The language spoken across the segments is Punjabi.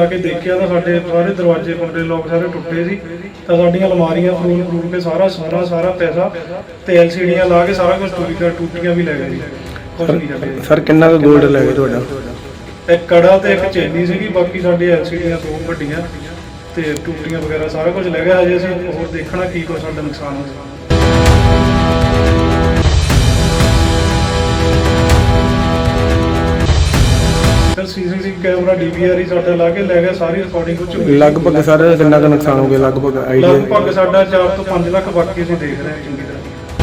आके देखिया तो साडे सारे दरवाजे कुंडे लोग सारे टुटे सी तो साडियां अलमारियां फरूल के सारा सोना सारा पैसा ते LCDियां ला के सारा कुछ टूटियां भी ले गए जी। कुछ नहीं छड्डिया सर कितना का गोल्ड ले गए तुहाडा? एक कड़ा ते एक चेनी सीगी, बाकी साडी LCDियां दो वड्डियां ते टूटियां वगैरह सारा कुछ ले गया। हजे असीं होर देखना की कुछ साडा नुकसान होया। CCTV कैमरा DVR ही साडा ला के ले गया, सारी रिकॉर्डिंग कुछ लगभग सर कितना का नुकसान हो गया? लगभग आइडिया लगभग साडा 4 ਤੋਂ 5 ਲੱਖ ਬਾਕੀ ਅਸੀਂ ਦੇਖ ਰਹੇ ਹਾਂ ਚੰਗੀ ਤਰ੍ਹਾਂ।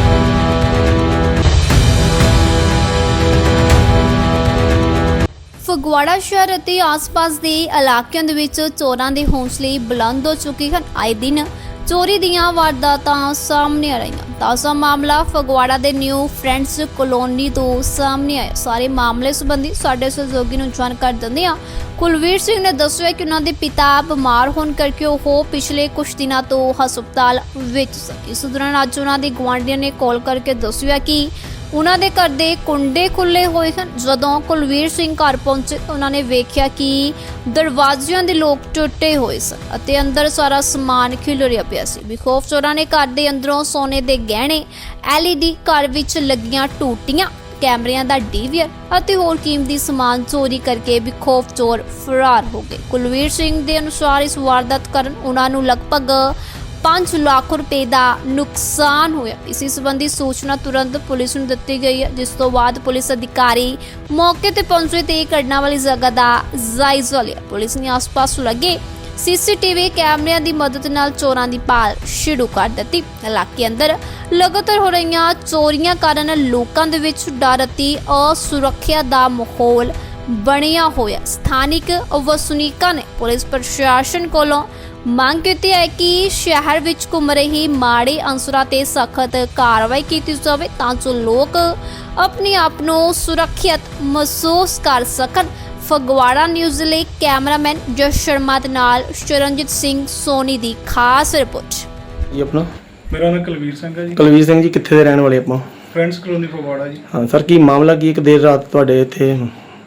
ਫਗਵਾੜਾ ਸ਼ਹਿਰ ਅਤੇ ਆਸ-ਪਾਸ ਦੇ ਇਲਾਕਿਆਂ ਦੇ ਵਿੱਚ ਚੋਰਾਂ ਦੇ ਹੌਸਲੇ ਬੁਲੰਦ ਹੋ ਚੁੱਕੇ ਹਨ। ਆਏ ਦਿਨ ਚੋਰੀ ਦੀਆਂ ਵਾਰਦਾਤਾਂ ਸਾਹਮਣੇ ਆ ਰਹੀਆਂ। ਤਾਜ਼ਾ ਮਾਮਲਾ ਫਗਵਾੜਾ ਦੇ ਨਿਊ ਫਰੈਂਡਸ ਕਲੋਨੀ ਤੋਂ ਸਾਹਮਣੇ ਆਇਆ। ਸਾਰੇ ਮਾਮਲੇ ਸੰਬੰਧੀ ਸਾਡੇ ਸਹਿਯੋਗੀ ਨੂੰ ਜਾਣਕਾਰੀ ਦਿੰਦੇ ਹਾਂ। ਕੁਲਵੀਰ ਸਿੰਘ ਨੇ ਦੱਸਿਆ ਕਿ ਉਹਨਾਂ ਦੇ ਪਿਤਾ ਬਿਮਾਰ ਹੋਣ ਕਰਕੇ ਉਹ ਪਿਛਲੇ ਕੁਝ ਦਿਨਾਂ ਤੋਂ ਹਸਪਤਾਲ ਵਿੱਚ ਸਨ। ਇਸ ਦੌਰਾਨ ਅੱਜ ਉਹਨਾਂ ਦੇ ਗੁਆਂਢੀਆਂ ਨੇ ਕਾਲ ਕਰਕੇ ਦੱਸਿਆ ਕਿ ਉਹਨਾਂ ਦੇ ਘਰ ਦੇ ਕੁੰਡੇ ਖੁੱਲੇ ਹੋਏ ਹਨ। ਜਦੋਂ ਕੁਲਵੀਰ ਸਿੰਘ ਘਰ ਪਹੁੰਚੇ ਉਹਨਾਂ ਨੇ ਵੇਖਿਆ ਕਿ ਦਰਵਾਜ਼ਿਆਂ ਦੇ ਲੋਕ ਟੁੱਟੇ ਹੋਏ ਸਨ ਅਤੇ ਅੰਦਰ ਸਾਰਾ ਸਮਾਨ ਖਿਲਰਿਆ ਪਿਆ ਸੀ। ਬੇਖੌਫ ਚੋਰਾਂ ਨੇ ਘਰ ਦੇ ਅੰਦਰੋਂ ਸੋਨੇ ਦੇ ਗਹਿਣੇ, LED, ਘਰ ਵਿੱਚ ਲੱਗੀਆਂ ਟੂਟੀਆਂ, ਕੈਮਰਿਆਂ ਦਾ DVR ਅਤੇ ਹੋਰ ਕੀਮਤੀ ਸਮਾਨ ਚੋਰੀ ਕਰਕੇ ਬੇਖੌਫ ਚੋਰ ਫਰਾਰ ਹੋ ਗਏ। ਕੁਲਵੀਰ ਸਿੰਘ ਦੇ ਅਨੁਸਾਰ ਇਸ ਵਾਰਦਾਤ ਕਾਰਨ ਉਹਨਾਂ ਨੂੰ ਲਗਭਗ 5 ਲੱਖ ਰੁਪਏ ਦਾ ਨੁਕਸਾਨ ਹੋਇਆ। ਇਸੇ ਸੰਬੰਧੀ ਸੂਚਨਾ ਤੁਰੰਤ ਪੁਲਿਸ ਨੂੰ ਦਿੱਤੀ ਗਈ ਹੈ, ਜਿਸ ਤੋਂ ਬਾਅਦ ਪੁਲਿਸ ਅਧਿਕਾਰੀ ਮੌਕੇ ਤੇ ਪਹੁੰਚੇ ਤੇ ਘਟਨਾ ਵਾਲੀ ਜਗ੍ਹਾ ਦਾ ਜਾਇਜ਼ਾ ਲਿਆ। ਪੁਲਿਸ ਨੇ ਆਸ-ਪਾਸ ਲੱਗੇ CCTV ਕੈਮਰਿਆਂ ਦੀ ਮਦਦ ਨਾਲ ਚੋਰਾਂ ਦੀ ਭਾਲ ਸ਼ੁਰੂ ਕਰ ਦਿੱਤੀ। ਇਲਾਕੇ ਅੰਦਰ ਲਗਾਤਾਰ ਹੋ ਰਹੀਆਂ ਚੋਰੀਆਂ ਕਾਰਨ ਲੋਕਾਂ ਦੇ ਵਿੱਚ ਡਰ ਅਤੇ ਅਸੁਰੱਖਿਆ ਦਾ ਮਾਹੌਲ ਬਣਿਆ ਹੋਇਆ। ਸਥਾਨਿਕ ਵਸਨੀਕਾਂ ਨੇ ਪੁਲਿਸ ਪ੍ਰਸ਼ਾਸਨ ਕੋਲੋਂ ਮੰਗ ਕੀਤੀ ਹੈ ਕਿ ਸ਼ਹਿਰ ਵਿੱਚ ਘੁੰਮ ਰਹੀ ਮਾੜੇ ਅਨਸਰਾਂ ਤੇ ਸਖਤ ਕਾਰਵਾਈ ਕੀਤੀ ਜਾਵੇ ਤਾਂ ਜੋ ਲੋਕ ਆਪਣੇ ਆਪ ਨੂੰ ਸੁਰੱਖਿਅਤ ਮਹਿਸੂਸ ਕਰ ਸਕਣ। ਫਗਵਾੜਾ ਨਿਊਜ਼ ਲਈ ਕੈਮਰਾਮੈਨ ਜਸ ਸ਼ਰਮਾ ਦੇ ਨਾਲ ਸ਼ਰਨਜੀਤ ਸਿੰਘ ਸੋਨੀ ਦੀ ਖਾਸ ਰਿਪੋਰਟ। ਜੀ ਆਪਣਾ? ਮੇਰਾ ਨਾਮ ਕੁਲਵੀਰ ਸਿੰਘ ਹੈ ਜੀ। ਕੁਲਵੀਰ ਸਿੰਘ ਜੀ ਕਿੱਥੇ ਦੇ ਰਹਿਣ ਵਾਲੇ ਆਪਾਂ? ਫਰੈਂਡਸ ਕਲੋਨੀ ਫਗਵਾੜਾ ਜੀ। ਹਾਂ ਸਰ, ਕੀ ਮਾਮਲਾ ਕੀ ਇੱਕ ਦੇਰ ਰਾਤ ਤੁਹਾਡੇ ਇੱਥੇ?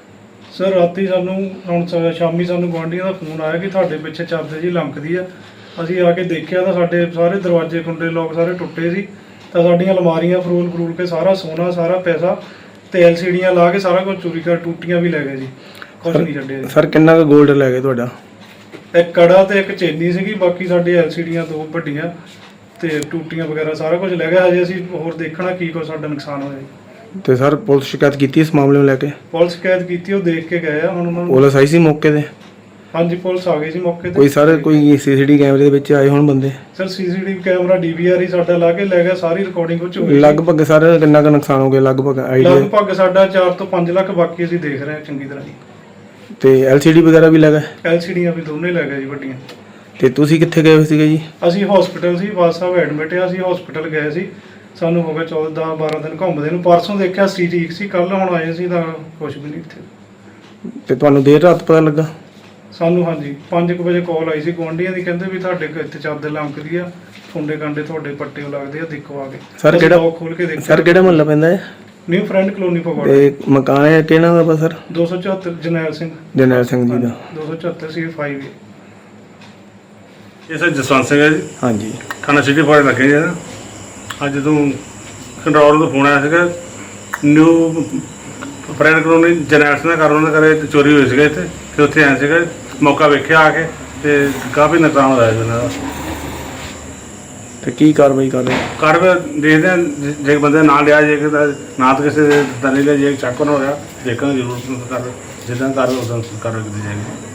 ਸਰ ਰਾਤੀ ਸਾਨੂੰ ਹੁਣ ਸ਼ਾਮੀ ਸਾਨੂੰ ਗੁਆਂਢੀਆਂ ਦਾ ਫੋਨ ਆਇਆ ਕਿ ਤੁਹਾਡੇ ਪਿੱਛੇ ਚਾਦਰ ਜੀ ਲੰਕਦੀ ਆ। ਅਸੀਂ ਆ ਕੇ ਦੇਖਿਆ ਤਾਂ ਸਾਡੇ ਸਾਰੇ ਦਰਵਾजे ਕੁੰਡੇ ਲੋਕ ਸਾਰੇ ਟੁੱਟੇ ਸੀ ਤਾਂ ਸਾਡੀਆਂ ਅਲਮਾਰੀਆਂ ਫਰੂਲ ਕੇ ਸਾਰਾ ਸੋਨਾ ਸਾਰਾ ਪੈਸਾ ਤੇ LCDਿयां ਲਾ ਕੇ ਸਾਰਾ ਕੁਝ ਚੋਰੀ ਕਰ ਟੂਟੀਆਂ ਵੀ ਲੈ ਗਏ ਜੀ। ਕੁਝ ਨਹੀਂ ਛੱਡਿਆ ਜੀ। ਸਰ ਕਿੰਨਾ ਕੁ ਗੋਲਡ ਲੈ ਗਏ ਤੁਹਾਡਾ? ਇੱਕ ਕੜਾ ਤੇ ਇੱਕ ਚੇਨੀ ਸੀਗੀ, ਬਾਕੀ ਸਾਡੇ LCDਿयां ਦੋ ਵੱਡੀਆਂ ਤੇ ਟੂਟੀਆਂ ਵਗੈਰਾ ਸਾਰਾ ਕੁਝ ਲੈ ਗਿਆ। ਹਜੇ ਅਸੀਂ ਹੋਰ ਦੇਖਣਾ ਕੀ ਕੁਛ ਸਾਡਾ ਨੁਕਸਾਨ ਹੋਇਆ ਜੀ। ਤੇ ਸਰ ਪੁਲਿਸ ਸ਼ਿਕਾਇਤ ਕੀਤੀ ਇਸ ਮਾਮਲੇ ਨੂੰ ਲੈ ਕੇ? ਪੁਲਿਸ ਸ਼ਿਕਾਇਤ ਕੀਤੀ, ਉਹ ਦੇਖ ਕੇ ਗਏ ਆ। ਹੁਣ ਉਹਨਾਂ ਨੂੰ ਪੁਲਿਸ ਆਈ ਸੀ ਮੌਕੇ ਤੇ? ਹਾਂਜੀ ਪੁਲਿਸ ਆ ਗਈ ਸੀ ਮੌਕੇ ਤੇ। ਕੋਈ ਸਰ ਕੋਈ CCTV ਕੈਮਰੇ ਦੇ ਵਿੱਚ ਆਏ ਹੋਣ ਬੰਦੇ? ਸਰ CCTV ਕੈਮਰਾ DVR ਹੀ ਸਾਡਾ ਲਾ ਕੇ ਲੈ ਗਿਆ, ਸਾਰੀ ਰਿਕਾਰਡਿੰਗ ਕੁਝ ਹੋਈ। ਲਗਭਗ ਸਰ ਕਿੰਨਾ ਕੁ ਨੁਕਸਾਨ ਹੋ ਗਿਆ? ਲਗਭਗ ਆਈਡੀਆ ਲਗਭਗ ਸਾਡਾ 4 ਤੋਂ 5 ਲੱਖ ਬਾਕੀ ਅਸੀਂ ਦੇਖ ਰਹੇ ਹਾਂ ਚੰਗੀ ਤਰ੍ਹਾਂ ਜੀ। ਤੇ LCD ਵਗੈਰਾ ਵੀ ਲੱਗਾ? LCDਿयां ਵੀ ਦੋਨੇ ਲੈ ਗਏ ਜੀ ਵੱਡੀਆਂ। ਤੇ ਤੁਸੀਂ ਕਿੱਥੇ ਗਏ ਹੋਏ ਸੀਗੇ ਜੀ? ਅਸੀਂ ਹਸਪੀਟਲ ਸੀ, ਬਾਦ ਸਾਹਿਬ ਐਡਮਿਟ ਆ। ਅਸੀਂ ਹਸਪੀਟਲ ਗਏ ਸੀ, ਸਾਨੂੰ ਹੋ ਗਿਆ 14-12 ਦਿਨ ਘੁੰਮਦੇ ਨੂੰ। ਪਰਸੋਂ ਦੇਖਿਆ ਸੀ ਠੀਕ ਸੀ, ਕੱਲ ਹੁਣ ਆਏ ਸੀ ਤਾਂ ਕੁਝ ਵੀ ਨਹੀਂ ਇੱਥੇ। ਤੇ ਤੁਹਾਨੂੰ ਦੇਰ ਰਾਤ ਪਤਾ ਲੱਗਾ? ਸਾਨੂੰ ਹਾਂਜੀ 5 ਵਜੇ ਕਾਲ ਆਈ ਸੀ ਗੁਆਂਢੀਆਂ ਦੀ, ਕਹਿੰਦੇ ਵੀ ਤੁਹਾਡੇ ਇੱਥੇ ਚਾਦਰ ਲੰਕਦੀ ਆ, ਫੁੰਡੇ ਕਾਂਡੇ ਤੁਹਾਡੇ ਪੱਟੇ ਲੱਗਦੇ ਆ, ਦੇਖੋ ਆ ਕੇ। ਸਰ ਕਿਹੜਾ ਲੋਕ ਖੋਲ ਕੇ ਦੇਖਿਆ। ਸਰ ਕਿਹੜਾ ਮੁਹੱਲਾ ਪੈਂਦਾ ਹੈ? New friend colony Phagwara. ਤੇ ਮਕਾਨ ਹੈ ਕਿਹਨਾਂ ਦਾ ਸਰ? 274 ਜਰਨੈਲ ਸਿੰਘ ਜੀ ਦਾ। 274 C5। ਇਹ ਸਰ ਜਸਵੰਤ ਸਿੰਘ ਹੈ ਜੀ। ਹਾਂਜੀ। ਖਾਣਾ ਸਿਟੀ ਫਾੜੇ ਲੱਗੇ ਜੀ। ਅੱਜ ਜਦੋਂ ਕੰਟਰੋਲ ਤੋਂ ਫੋਨ ਆਇਆ ਸੀਗਾ new friend colony Jarnail Singh ਦਾ ਘਰ, ਉਹਨਾਂ ਦੇ ਘਰੇ ਚੋਰੀ ਹੋਈ ਸੀਗਾ ਇੱਥੇ, ਤੇ ਉੱਥੇ ਆਇਆ ਸੀਗਾ, ਮੌਕਾ ਵੇਖਿਆ ਆ ਕੇ ਤੇ ਕਾਫੀ ਨੁਕਸਾਨ ਹੋਇਆ ਜੀ ਉਹਨਾਂ ਦਾ। ਤੇ ਕੀ ਕਾਰਵਾਈ ਕਰ ਰਹੇ? ਕਾਰਵਾਈ ਦੇਖਦੇ ਹਾਂ, ਜੇ ਬੰਦੇ ਨਾਂ ਲਿਆ ਜੇ ਨਾ ਤਾਂ ਕਿਸੇ ਦੇ ਦਲੇ ਜੇ ਚੱਕ ਨਾ ਹੋਇਆ, ਦੇਖਾਂਗੇ ਜ਼ਰੂਰ ਕਰ ਜਿੱਦਾਂ ਕਾਰਵਾਈ ਉਦਾਂ ਕਾਰਵਾਈ ਕੀਤੀ ਜਾਏਗੀ।